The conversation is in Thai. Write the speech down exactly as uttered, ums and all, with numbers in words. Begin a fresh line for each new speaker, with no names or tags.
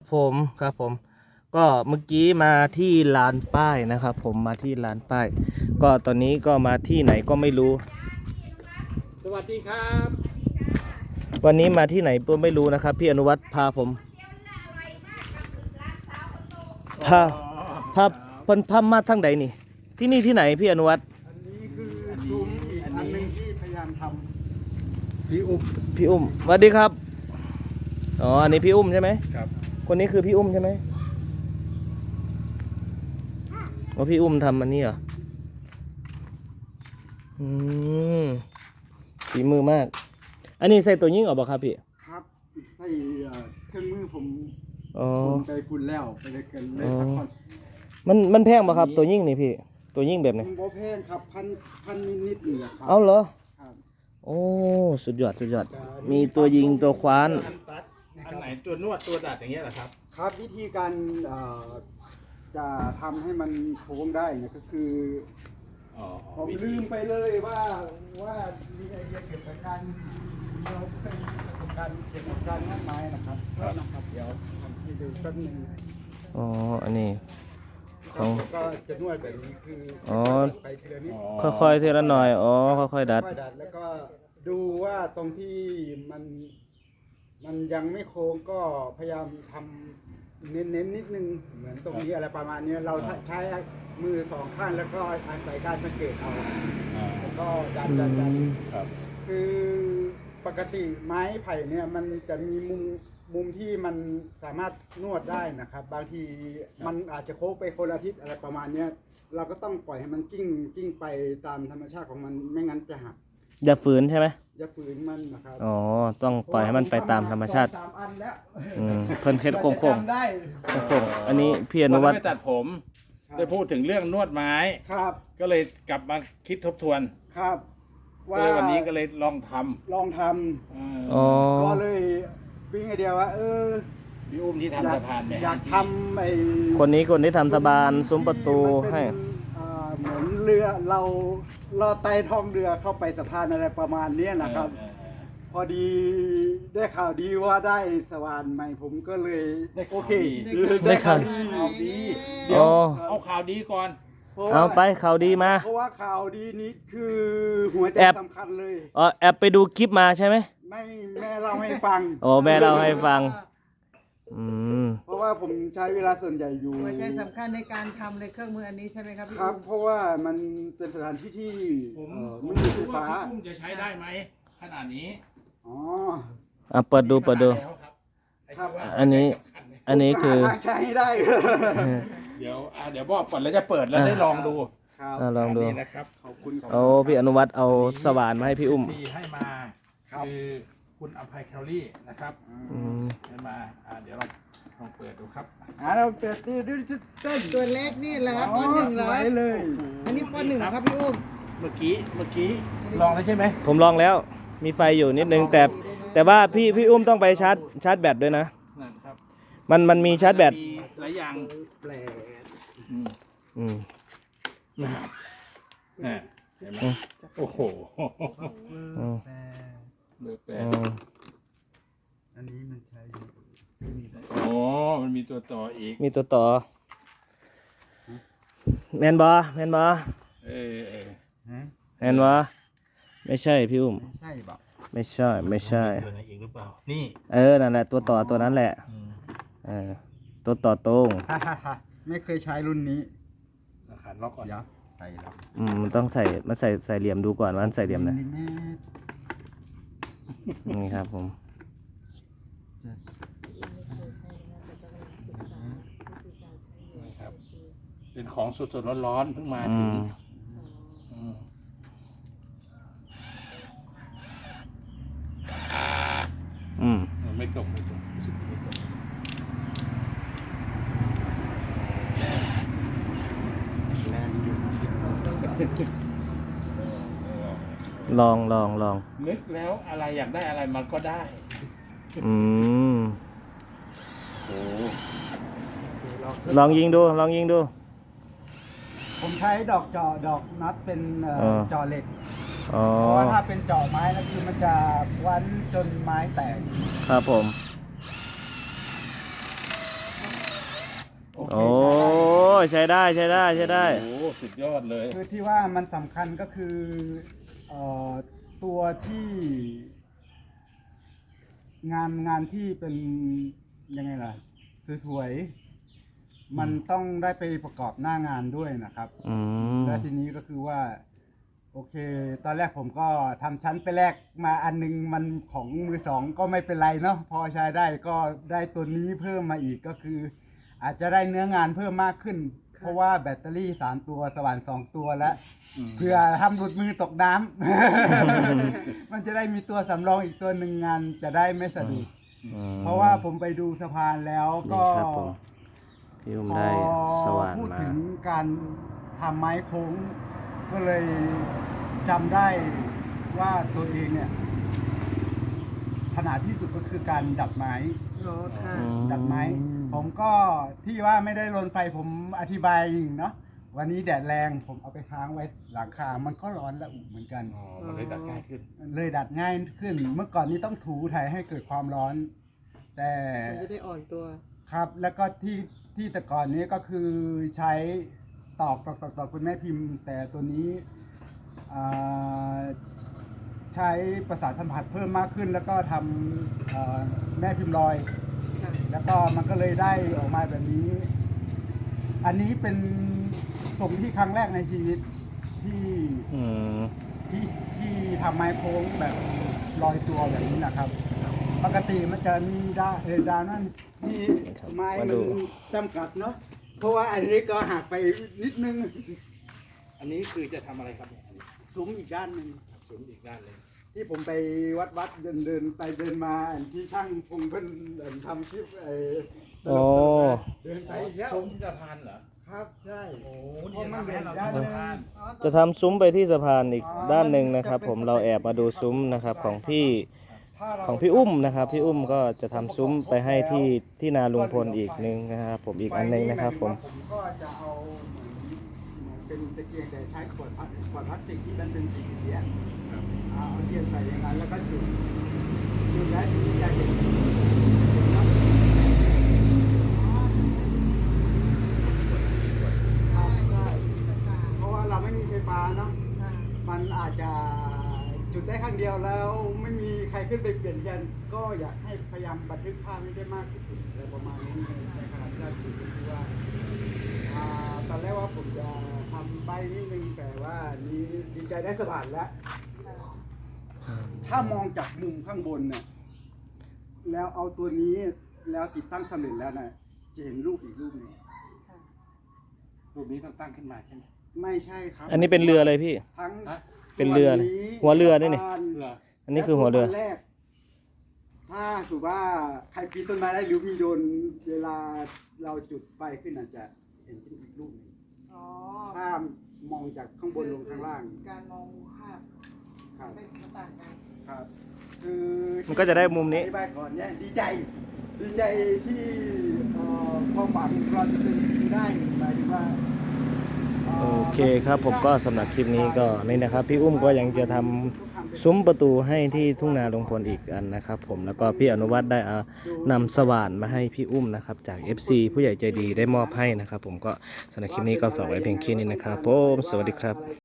ผมครับผมก็เมื่อกี้มาที่ลานป้ายนะครับผมมาที่ลานป้ายก็ตอนนี้ก็มาที่ไหนก็ไม่รู้
สวัสดีครับ
วันนี้มาที่ไหนก็ไม่รู้นะครับพี่อนุวัฒน์พาผมพาพาเพิ่นพามาทางใดนี่ที่นี่ที่ไหนพี่อนุวัฒน์
อันนี้คือซุ้มอีกอันหนึงที่พยายามทำพี่อุ้ม
พี่อุ้มสวัสดีครับอ๋ออันนี้พี่อุ้มใช่ไหม
ครับ
คนนี้คือพี่อุ้มใช่ไหมว่าพี่อุ้มทำอันนี้เหรออืมฝีมือมากอันนี้ใส่ตัวยิ่งออกบ่ครับพี่
ครับใส่เอ่อเครื่องมือผม
อ๋อ
ฝุ่นไปฝุ่นแล้วไปเลยกันเลยพักผ่อน
มันมันแพงป่ะครับตัวยิ่งนี่พี่ตัวยิ่งแบบไหน
โบแพงครับพันพันนิดๆนี่แหละครับ
เอาเหรอ
ครับ
โอ้สุดยอดสุดยอดมีตัวยิงตัวคว้าน
อันไหนตัวนวดตัวดัดอย่างเงี้ยเหรอครับ
ครับวิธีการเอ่อจะทำให้มันโค้งได้เนี่ยก็คือ
อ๋อ
ผมลืมไปเลยว่าว่ามีไอเดียเกี่ยวกับการเราเคยมีประสบการณ์เกี่ยวกับการงานไม้นะครับก็นะครับเดี๋ยวทำให้ดูสักหนึ่ง
อ๋ออันนี้ของ
ก็จะนวดแบบนี้คือ
อ๋อ
ไปทีละนิด
ค่อยๆทีละหน่อยอ๋อค่อยๆดัด
ค่อยๆดัดแล้วก็ดูว่าตรงที่มันมันยังไม่โค้งก็พยายามทำเน้นๆนิดนึงเหมือนตรงนี้อะไรประมาณนี้เราใช้มือสองข้างแล้วก็อาศัยการสังเกตเอา
อ่า
แล้วก็ดันดันดัน
ครับ
คือปกติไม้ไผ่เนี่ยมันจะมีมุมมุมที่มันสามารถนวดได้นะครับ บางทีมันอาจจะโค้งไปคนละทิศอะไรประมาณเนี้ยเราก็ต้องปล่อยให้มันกิ้งกิ้งไปตามธรรมชาติของมันไม่งั้นจะหัก
อย่าฝืนใช่ไหม
อย่าฝืนมันนะครับ
อ๋อต้องปล่อยให้มันไปตามธรรมชาติ
สามอันแล้ว
อืมเพิ่นเฮ็ดโค้ง
กว่าจะจำได้
ๆโค้งๆอันนี้พี่อนุวัฒน์
ไม่ตัดผม ได้พูดถึงเรื่องนวดไม้
ครับ
ก็เลยกลับมาคิดทบทวน
ครับ
ก็เลยวันนี้ก็เลยลองท
ลองท
ำอ่า
อ๋อ
ำก็เลยวิ่งไอเดียว่า เออ
พี่อุ้มที่
อยาก
ทำสะพานเนี่ย
อยากทำไอ้
คนนี้คนที่ทำสะบานซุ้มประตูให้
มันเป็นอ่าเหมือนเรือเราเราไต่ท้องเรือเข้าไปสะพานอะไรประมาณเนี้ยนะครับ
เออเออ
พอดีได้ข่าวดีว่าได้สว่านใหม่ผมก็เลย
ได้
โอ
ข่าว
เค
ดี
ได้ข่าว
ดี
ข่าวดี
อ๋
เดี๋ยว
อ
เอาข่าวดีก่อน
พระว่
เอาไปข่าวดีมา
เพราะว่าข่าวดีนี้คือหัวใจ
แอบ
สำคัญเลย
อ๋อแอบไปดูคลิปมาใช่ไหม
ไม่แม่เล่าให้ฟัง
โอ้แม่เล่าให้ฟัง อืม
เพราะว่าผมใช้เวลาส่วนใหญ่อยู่
หัวใจสำคัญในการทำเลยเครื่องมืออันนี้ใช่ไหมครับพี่
ครับ
อุ้ม
เพราะว่ามันเป็นสถานที่ที่
ผม
เอ่อ
ผม
ไม่มีไฟ
รู้ว่า
ฟ้า
พี่อุ้มจะใช้ได้ไหมขนาดนี้
อ๋อ
อ่ะเปิดดูเปิดดู
แล้วครับไที่ว่า
อันนี้
สำคัญเนี่ย
อันนี้คือ
หาทางใช้ให้ได้
เดี๋ยวอ่ะเดี๋ยวบอกก่อนแล้วจะเปิดแล้วได้ลองดู
ครับ
อ่ะลองดู
นนี้นะครับ
ขอบคุณครับ
เอาพี่อนุวัฒน์เอาสว่านมาให้พี่อุ้ม
ที่ให้มา
ครับ
คือคุณอภัยแคลรี่นะครับ
อืม
ให้มาอ่าเดี๋ยวเราลองเปิดดูครับ
อ่าเราเปิดตีด้วยเต้น
ตัวเล็กนี่เหรอครับปหนึ่งเหรอ
ไว้เลย
อันนี้ปหนึ่งครับพี่อุ้ม
เมื่อกี้เมื่อกี้ลองแล้วใช่ไหม
ผมลองแล้วมีไฟอยู่นิดนึงแต่แต่ว่าพี่พี่อุ้มต้องไปชาร์จชาร์จแบตด้วยนะ
นั่นครับ
มันมันมีชาร์จแบต
มีหลายอย่าง
แปลก
อืม
อืม
นะเห็นไหมโอ้โห
อืม
แปลก
เบอร์แป
อื
ด
ม
อันนี้มันใช้อยู่นี่แหละ
โอ้มันมีตัวต่ออีก
มีตัวต่อแมนบอแมนบอ
เออเออ
ฮะ
แมนบอไม่ใช่พี่อุ้ม
ไม่ใช่บอก
ไม่ใช่ไม่ใช่
ตัวไหนอีกหรือเปล่านี่
เออนั่นแหละตัวต่อตัวนั้นแหละ
อืม
เออตัวต่อตรง
ฮ่าฮ่าฮ่าไม่เคยใช้รุ่นนี้
ราคาล็อกก่อน
เดี๋ยวใส่แล้ว
อืมมันต้องใส่มันใส่ใส่เหลี่ยมดูก่อนว่ามันใส่เหลี่ยมไหน
มิลลิเมตร
นี่ครับผม
นะครับเป็นของสดๆร้อนๆเพิ่งมา
อื
ถึง
ม
อืม
อืม
ไม่ตกไม่ตกรู้สึกไม่ตก
แรงอยู่
ลองลองลอง
นึกแล้วอะไรอยากได้อะไรมันก็ได้
อืม
โอ้
ลองยิงดูลองยิงดู
ผมใช้ดอกเจาะดอกนัดเป็นเอ่อ
เออ
เจาะเหล็ก
อ๋อ
เพราะว่าถ้าเป็นเจาะไม้แล้วคือมันจะวันจนไม้แตก
ครับผม
โอเค
โอ้ใช้ได้ใช้ได้ใช้ได้
โอ้โหสุดยอดเลย
คือที่ว่ามันสำคัญก็คือเอ่อตัวที่งานงานที่เป็นยังไงล่ะสวยๆมันต้องได้ไปประกอบหน้างานด้วยนะครับ
อืม
แล้วทีนี้ก็คือว่า โอเค ตอนแรกผมก็ทำชั้นไปแลกมาอันนึงมันของมือสองก็ไม่เป็นไรเนาะพอใช้ได้ก็ได้ตัวนี้เพิ่มมาอีกก็คือ อาจจะได้เนื้องานเพิ่มมากขึ้น เพราะว่าแบตเตอรี่สามตัวสว่านสองตัวแล้ว
อืม
เพื่อทำหลุดมือตกน้ำ มันจะได้มีตัวสำรองอีกตัวหนึ่งงานจะได้ไม่สะดุด
อืม
เพราะว่าผมไปดูสะพานแล้วก็
นี่ครับผม พี่อุ้มได้สว่าน
พูด
มา
ถึงการทำไม้โค้ง ก็เลยจำได้ว่าตัวเองเนี่ยถนัดที่สุดก็คือการดัดไม้
อ๋อค่ะ
อืม
ดัดไม้ ผมก็ที่ว่าไม่ได้ลนไฟผมอธิบายเนาะวันนี้แดดแรงผมเอาไปค้างไว้หลังคา มันก็ร้อนและอุเหมือนกัน
อ๋อมันเลยดัดง่ายขึ้น
เลยดัดง่ายขึ้น เมื่อก่อนนี้ต้องถูถ่ายให้เกิดความร้อน แต่
มันจะได้อ่อนตัว
ครับแล้วก็ที่ที่แต่ก่อนนี้ก็คือใช้ตอกตอกตอกตอกเป็นแม่พิมพ์ แต่ตัวนี้อ่าใช้ประสาทสัมผัสเพิ่มมากขึ้น แล้วก็ทำเอ่อแม่พิมพ์ลอย
ค่ะ
แล้วก็มันก็เลยได้ออกมาแบบนี้ อันนี้เป็นทรงที่ครั้งแรกในชีวิตที่
อืม
ที่ที่ทำไม้โค้งแบบลอยตัวแบบนี้นะครับ ปกติมันจะมีดาเออดาวนั่นที่ไม้
มา
มั
ดู
นจำกัดเนาะเพราะว่าอันนี้ก็หักไปนิดนึง
อันนี้คือจะทำอะไรครับเนี่ยอันนี้
ซุ้มอีกด้านหนึ่ง
ศูนย์อีกด้านเลย
ที่ผมไปวัดวัดเดินเดินไปเดินมาอันที่ช่างพงเพิ่นเอิ่มทำคลิปไอ้ตล
โอ้
กๆเดินไปอีกแล้ว
ชมที่สะพานเหรอ
ครับใช่
โอ้
เพ
นี่
ราะมัน
ทำให้
เห็น
เรา
ด้าน
ชม
หนึ
สะ
ง
พาน
จะทำซุ้มไปที่สะพานอีกด้านหนึ่งนะครับ ผมเราแอบมาดูซุ้มนะครับของพี่
ถ้าเรา
ของพี่อุ้มนะครับ พี่อุ้มก็จะทำซุ้มไปให้ที่ที่นาลุงพลอีกหนึงนะครับผมอีกอันหนึงนะครับผม
ผมก็จะเอาเหมือนเหมือนเป็นตะเกียงแต่ใช้ขวดพลาสขวดพลาสติกที่มันเป็นสีเขียวเอาเทียนใส่อย่างนั้นแล้วก็จุดจุดแล้วทีนี้จะเห็นเพราะว่าเราไม่มีไฟฟ้าเนาะมันอาจจะจุดได้ครั้งเดียวแล้วไม่มีใครขึ้นไปเปลี่ยนกันก็อยากให้พยายามบันทึกภาพให้ได้มากที่สุดอะไรประมาณนี้ในขณะที่เราจุดก็คือว่า อ่าตอนแรกว่าผมจะทำใบนิดนึงแต่ว่านี้ดีใจได้สะบัดแล้ว ถ้ามองจากมุมข้างบนเนี่ยแล้วเอาตัวนี้แล้วติดตั้งสำเร็จแล้วนะจะเห็นรูปอีกรูปหนึง
รูปนี้ต้องตั้งขึ้นมาใช่ไหม
ไม่ใช่ครับ
อันนี้เป็นเรืออะไรพี่
ทั้ง
ฮะ
เป็นเรือเลยหัวเรือด้วยนี่
เหรอ
อันนี้คือหัวเรือ
และตันแรกถ้าสมมติว่าใครปีนต้นไม้ได้หรือมีโดนเวลาเราจุดไฟขึ้นอาจจะเห็นเป็นอีกรูปหนึ่ง
อ๋อ
ถ้ามองจากข้างบนลงข้างล่าง
การมองภาพ
ครับ
ไม่ต่างกัน
ครับ คือ
มันก็จะได้มุมนี้
อธิบายก่อนเนี่ยดีใจ ดีใจที่เอ่อความหวังเราจะเป็นจริงได้หมายถึงว่า
โอเคครับผมก็สำหรับคลิปนี้ก็นี่นะครับ พี่อุ้มก็ยังจะทำซุ้มประตูให้ที่ทุ่งนาลุงพลอีกอันนะครับผมแล้วก็พี่อนุวัฒน์ได้เอานำสว่านมาให้พี่อุ้มนะครับจาก เอฟ ซี ผู้ใหญ่ใจดีได้มอบให้นะครับผมก็สำหรับคลิปนี้ก็ฝากไว้เพียงแค่นี้นะครับผมสวัสดีครับ